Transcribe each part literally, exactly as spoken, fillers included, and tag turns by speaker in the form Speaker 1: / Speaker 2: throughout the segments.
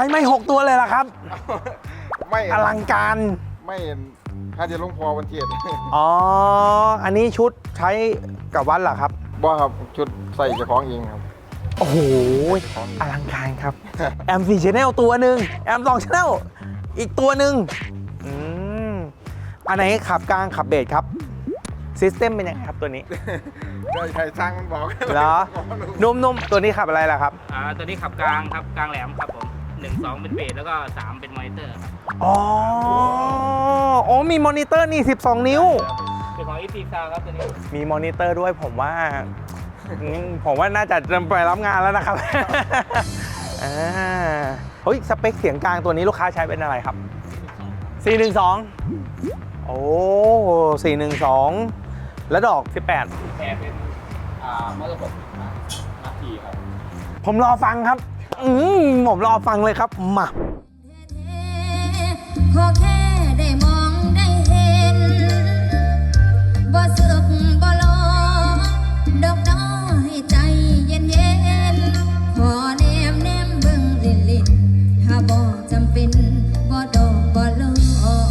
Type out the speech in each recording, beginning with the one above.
Speaker 1: ช้ไม่หกตัวเลยล่ะครับ
Speaker 2: ไม่
Speaker 1: อลังการ
Speaker 2: ไม่ถ้าจะลงพอวันเทียด
Speaker 1: อ๋ออันนี้ชุดใช้กับวัดเหรอครับ
Speaker 2: บ่ครับชุดใส่เจ้าของเองครับ
Speaker 1: โอ้โหอลังการครับ แอมสี่ชแนลตัวหนึ่งแอมสองชแนลอีกตัวหนึ่งอืมอันไหนขับกลางขับเบสครับซิสเต็มเป็นยังไงครับตัวนี้
Speaker 2: ได้ใครสร้างมันบอก
Speaker 1: เหรอนุ่มๆตัวนี้ขับอะไรล่ะครับ
Speaker 3: อ่าตัวนี้ขับกลางครับกลางแหลมครับผมหนึ่งสองเป็นเบสแล้วก็สามเป็นมอนิเตอร์ครับ
Speaker 1: อ๋อโอ้มีมอนิเตอร์นี่สิบสองนิ้ว
Speaker 3: เป็นของ อี ซี Sound ครับตัวนี้
Speaker 1: มีมอนิเตอร์ด้วยผมว่าอืมผมว่าน่าจะไปรับงานแล้วนะครับ อ่าเฮ้ยสเปคเสียงกลางตัวนี้ลูกค้าใช้เป็นอะไรครับ สี่หนึ่งสอง โอ้สี่หนึ่งสองแล้วดอกสิบแปด
Speaker 3: แพรเป็นอ่ามอเตอร์ผมนาทีครับ
Speaker 1: ผมรอฟังครับ อืมผมรอฟังเลยครับมา
Speaker 4: ขอแค่ได้มองได้เห็นบ่สึกบ่ลองดอกน้อให้ใจเย็นเย็นขอแนมแนมเบิ่งเล่นเล่นถ้าบ่จำเป็นบ่ดอกบ่ลอย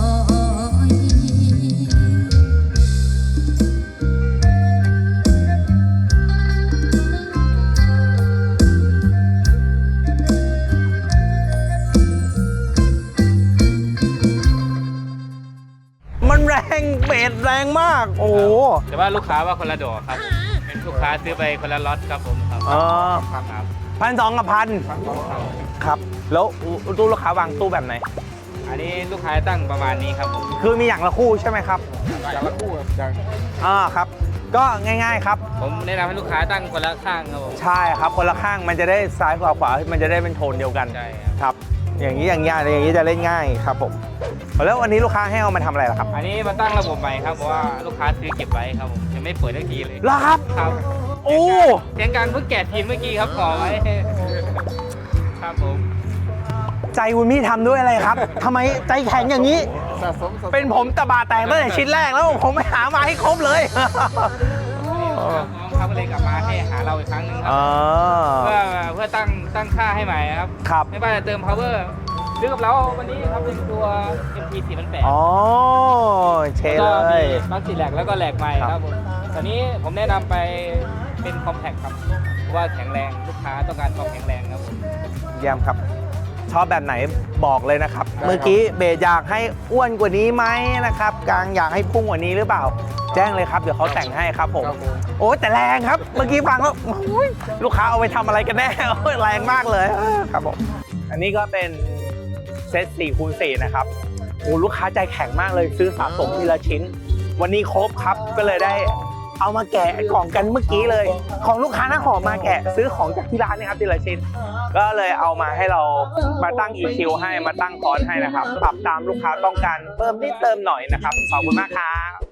Speaker 1: มันแรงเบสแรงมาก โอ้โห
Speaker 3: แต่ว่าลูกค้าว่าคนละดอกครับเป็นลูกค้าซื้อไปคนละล็อตครับผมครับ
Speaker 1: อ๋อ
Speaker 3: ครับ
Speaker 1: พันสองกับพันครับ แล้วตู้ลูกค้าวางตู้แบบไหน
Speaker 3: อันนี้ลูกค้าตั้งประมาณนี้ครับผม
Speaker 1: คือมีอย่างละคู่ใช่ไหมครับ
Speaker 2: อย่างละคู่ครับอย่าง
Speaker 1: อ่าครับ ก็ง่ายๆครับ
Speaker 3: ผมแนะนำให้ลูกค้าตั้งคนละข้างครับผม
Speaker 1: ใช่ครับคนละข้างมันจะได้ซ้ายขวาขวามันจะได้เป็นโทนเดียวกัน
Speaker 3: ใช่ครับ
Speaker 1: ครับ อย่างนี้อย่างนี้อย่างนี้จะเล่นง่ายครับผมแล้ววันนี้ลูกค้าให้เอามาทำอะไรล่ะครับ
Speaker 3: อันนี้มาตั้งระบบใหม่ครับเพราะว่าลูกค้าซื้อเก็บไว้ครับผมยังไม่เปิดทักทีเลย
Speaker 1: เหรอครับ
Speaker 3: ครับ
Speaker 1: โอ้
Speaker 3: เสียงกลางเพิ่งแกะทีมเมื่อกี้ครับขอไว้ครับผม
Speaker 1: ใจคุณพี่ทำด้วยอะไรครับทำไมใจแข็งอย่างนี้
Speaker 2: สะสมสะสม
Speaker 1: เป็นผมตะบาแตกตั้งแต่ชิ้นแรกแล้วผมไม่หามาให้ครบเลย
Speaker 3: น้องเขาก็เลยกลับมาให้หาเราอีกครั้งหนึ่งครั
Speaker 1: อ๋
Speaker 3: บ
Speaker 1: อ
Speaker 3: เพื่อเพื่อตั้งตั้งค่าให้ใหม่ครับ
Speaker 1: ครับ
Speaker 3: ไม่ว่าจะเติม power ซื้อกับเราวันนี้ครับเป็นตัว เอ็ม ที สี่พันแปด
Speaker 1: อ๋อเช
Speaker 3: แล้ว
Speaker 1: เล
Speaker 3: ก็มี
Speaker 1: ย
Speaker 3: บัคซีแลกแล้วก็แหลกใหม่
Speaker 1: ครับ
Speaker 3: ครับผมตอนนี้ผมแนะนำไปเป็นคอมแพคครับเพราะว่าแข็งแรงลูกค้าต้องการความแข็งแรงครับผม
Speaker 1: เยี่ยมครับ ชอบแบบไหนบอกเลยนะครับ เมื่อกี้เบสอยากให้อ้วนกว่านี้ไหมนะครับกลางอยากให้พุ่งกว่านี้หรือเปล่า แจ้งเลยครับเดี๋ยวเขาแต่งให้ครับผม
Speaker 2: ครับผม
Speaker 1: โอ้แต่แรงครับ เมื่อกี้ฟังแล้วโอ้ยลูกค้าเอาไปทำอะไรกันแน่ โอ้ยแรงมากเลยครับผมอันนี้ก็เป็นเซตสี่คูณสี่นะครับโอ้ลูกค้าใจแข็งมากเลยซื้อสะสมทีละชิ้น วันนี้ครบครับก็เลยได้เอามาแกะกล่องกันเมื่อกี้เลย ของลูกค้าหน้าหอมมาแกะซื้อของจากที่ร้านนะครับทีละชิ้น ก็เลยเอามาให้เรามาตั้ง อี คิว ให้มาตั้งคอร์สให้นะครับปรับตามลูกค้าต้องการเพิ่มนิดเติมหน่อยนะครับขอบคุณมากครับ